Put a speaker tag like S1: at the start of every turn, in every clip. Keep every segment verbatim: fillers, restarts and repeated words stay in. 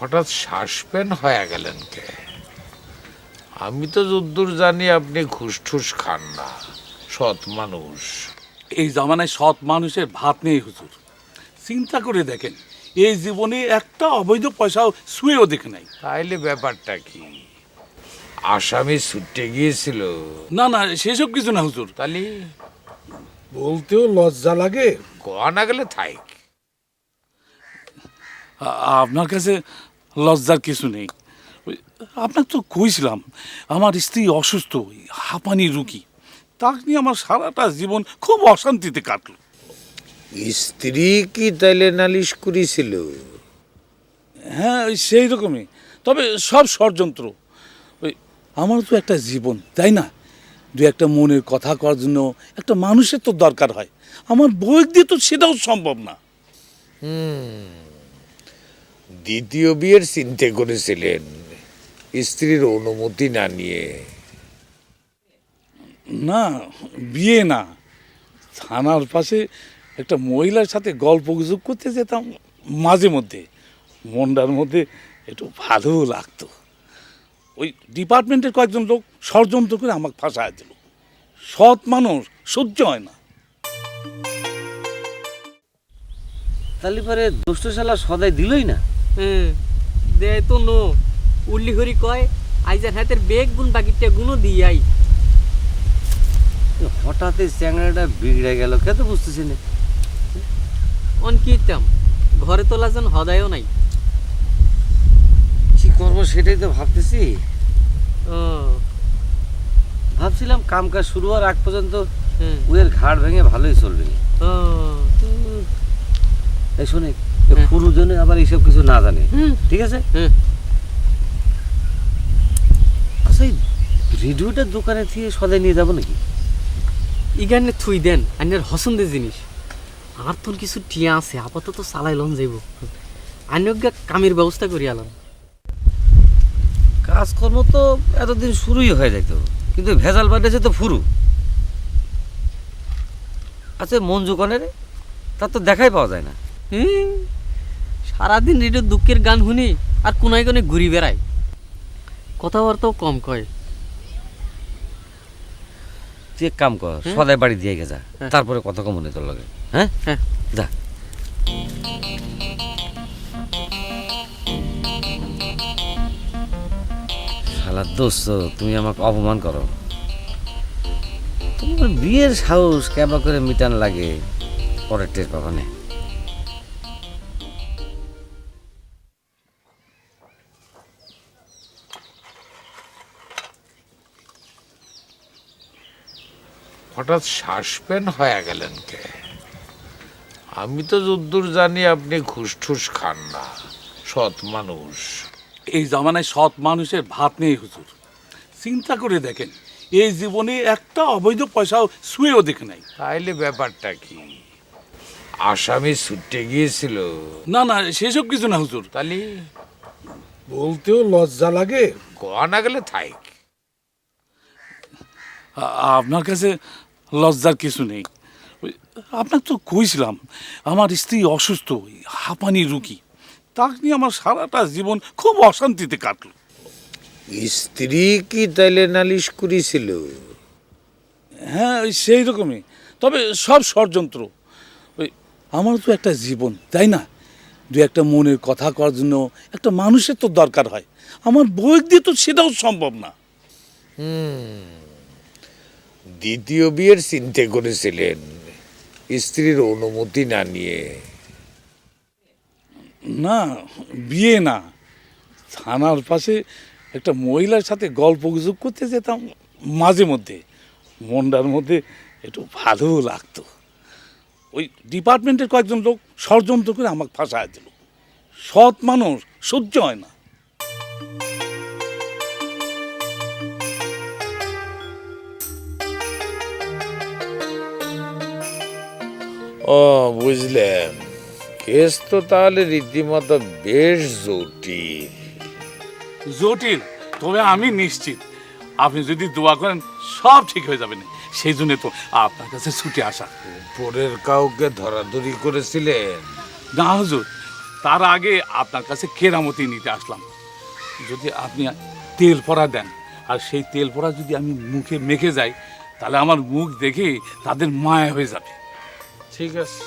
S1: হঠাৎ সাসপেন্ড হয়ে গেলেন কে? আমি তো যদ্দূর জানি আপনি ঘুষ ঠুস খান না, সৎ মানুষ।
S2: এই জামানায় সৎ মানুষের ভাত নেই হুজুর। চিন্তা করে দেখেন, এই জীবনে একটা অবৈধ পয়সাও শুয়েও দেখে নাই।
S1: তাইলে ব্যাপারটা কি? আসামি ছুটে গিয়েছিল?
S2: না না, সেসব কিছু না হুজুর।
S1: তাহলে
S3: বলতেও লজ্জা লাগে।
S1: গোয়া না গেলে থাইক।
S2: আ- আপনার কাছে লজ্জার কিছু নেই। ওই, আপনার তো কইছিলাম আমার স্ত্রী অসুস্থ, ওই হাঁপানি রুগী। তাকে নিয়ে আমার সারাটা জীবন খুব অশান্তিতে কাটলো।
S1: স্ত্রী কি তাইলে নালিশ করেছিল?
S2: হ্যাঁ, ওই সেই রকমই, তবে সব ষড়যন্ত্র। ওই আমারও তো একটা জীবন, তাই না? দু একটা মনের কথা করার জন্য একটা মানুষের তো দরকার হয়। আমার বই দিয়ে তো সেটাও সম্ভব না।
S1: দ্বিতীয় বিয়ের চিন্তা করেছিলেন স্ত্রীর অনুমতি না নিয়ে?
S2: না, বিয়ে না, থানার পাশে একটা মহিলার সাথে গল্প গুজব করতে যেতাম মাঝে মধ্যে। মনটার মধ্যে একটু ভালোও লাগতো। ওই ডিপার্টমেন্টের কয়েকজন লোক ষড়যন্ত্র করে আমাকে ফাঁসায় দিল। সৎ মানুষ সহ্য হয় না।
S4: তাহলে পরে দুষ্ট শালা সদাই দিলই না।
S5: হ্যাঁ, দেয় তো নো। উল্লি হরি কয় আইজার হাতের বেগ গুণ বাকিটা গুণও দিয়াই।
S4: হঠাৎ এই চ্যাংড়াটা বিগড়ে গেল, কে তো বুঝতেছি না।
S5: অন কিতাম ঘরে তোলা যেন হদায়ও নাই।
S4: কি করবো সেটাই তো ভাবতেছি।
S5: ও
S4: ভাবছিলাম কাম কাজ শুরু হওয়ার আগ পর্যন্ত
S5: হ্যাঁ,
S4: উয়ের ঘাড় ভেঙে ভালোই চলবে।
S5: ও
S4: এই শোনে,
S5: হ্যাঁ।
S4: পুরুজনে আবার এইসব কিছু না জানে,
S5: হুম,
S4: ঠিক আছে?
S5: হ্যাঁ।
S4: আচ্ছা, এই রেডিওটার দোকানে থেকে সদাই নিয়ে যাবো নাকি?
S5: ইগানে থুই দেন আইনের হসন্দের জিনিস। আর তোর কিছু টিয়া আছে, আপাতত চালাই লন যাইব। আইনজ্ঞা কামের ব্যবস্থা করি আলাম।
S4: কাজকর্ম তো এতদিন শুরুই হয়ে যেত, কিন্তু ভেজাল বাড়েছে তো ফুরু। আচ্ছা, মঞ্জু কনে রে, তার তো দেখাই পাওয়া যায় না।
S5: হুম, সারাদিন রেডিও দুঃখের গান শুনি আর কোনায় কোনে ঘুরি বেড়ায়। কথাবার্তাও কম কয়।
S4: তুই এক কাম কর,
S5: হুম?
S4: সদাই বাড়ি দিয়ে গেছা,
S5: হ্যাঁ।
S4: তারপরে কত কম মনে তোর লাগে। হ্যাঁ
S5: হ্যাঁ।
S4: যা। শালা দোস্ত, তুমি আমাকে অপমান করো। তোমার বিয়ের সাহস কেবা করে মিটান লাগে, পরের টের পাবা না।
S1: হঠাৎ সাসপেন্ড হয়ে গেলেন কে? আমি তো যদ্দূর জানি আপনি ঘুষ ঠুস খান না, সৎ মানুষ।
S2: এই জামানায় সৎ মানুষের ভাত নেই হুজুর। চিন্তা করে দেখেন, এই জীবনে একটা অবৈধ পয়সাও শুয়েও দেখে নাই।
S1: তাইলে ব্যাপারটা কি? আসামি ছুটে গিয়েছিল?
S2: না না, সেসব কিছু না হুজুর।
S1: তাহলে
S3: বলতেও লজ্জা লাগে।
S1: গোয়া না গেলে থাইক।
S2: আ- আপনার কাছে লজ্জার কিছু নেই। ওই, আপনার তো কইছিলাম আমার স্ত্রী অসুস্থ, ওই হাঁপানি রুগী। তাকে নিয়ে আমার সারাটা জীবন খুব অশান্তিতে কাটলো।
S1: স্ত্রী কি তাইলে নালিশ করেছিল?
S2: হ্যাঁ, ওই সেই রকমই, তবে সব ষড়যন্ত্র। ওই আমারও তো একটা জীবন, তাই না? দু একটা মনের কথা করার জন্য একটা মানুষের তো দরকার হয়। আমার বই দিয়ে তো সেটাও সম্ভব না।
S1: দ্বিতীয় বিয়ের চিন্তা করেছিলেন স্ত্রীর অনুমতি না নিয়ে?
S2: না, বিয়ে না, থানার পাশে একটা মহিলার সাথে গল্প গুজব করতে যেতাম মাঝে মধ্যে। মনটার মধ্যে একটু ভালোও লাগতো। ওই ডিপার্টমেন্টের কয়েকজন লোক ষড়যন্ত্র করে আমাকে ফাঁসায় দিল। সৎ মানুষ সহ্য হয় না।
S1: ও বুঝলাম, কেস তো তাহলে রীতিমতো বেশ জটিল।
S2: জটিল, তবে আমি নিশ্চিত আপনি যদি দোয়া করেন সব ঠিক হয়ে যাবে না। সেই জন্য তো আপনার কাছে ছুটে আসা।
S1: পরের কাউকে ধরাধরি করেছিলেন?
S2: না হুজুর, তার আগে আপনার কাছে কেরামতি নিতে আসলাম। যদি আপনি তেল পরা দেন, আর সেই তেল পরা যদি আমি মুখে মেখে যাই, তাহলে আমার মুখ দেখে তাদের মায়া হয়ে যাবে।
S1: ঠিক আছে,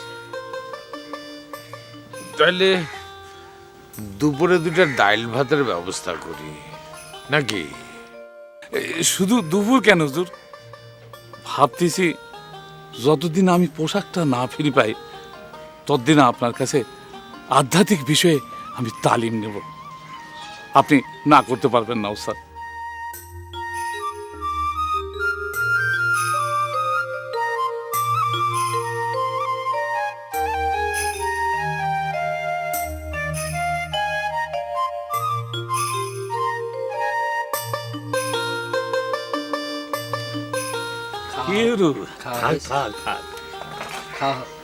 S1: তাহলে দুপুরে দুটা ডাইল ভাতের ব্যবস্থা করি নাকি?
S2: এ, শুধু দুপুর কেন হুজুর, ভাবতেছি যতদিন আমি পোশাকটা না ফিরে পাই ততদিন আপনার কাছে আধ্যাত্মিক বিষয়ে আমি তালিম নেব। আপনি না করতে পারবেন না ওস্তাদ।
S5: খাও
S2: কেরু
S5: খাও
S2: খা খা খা
S5: খাও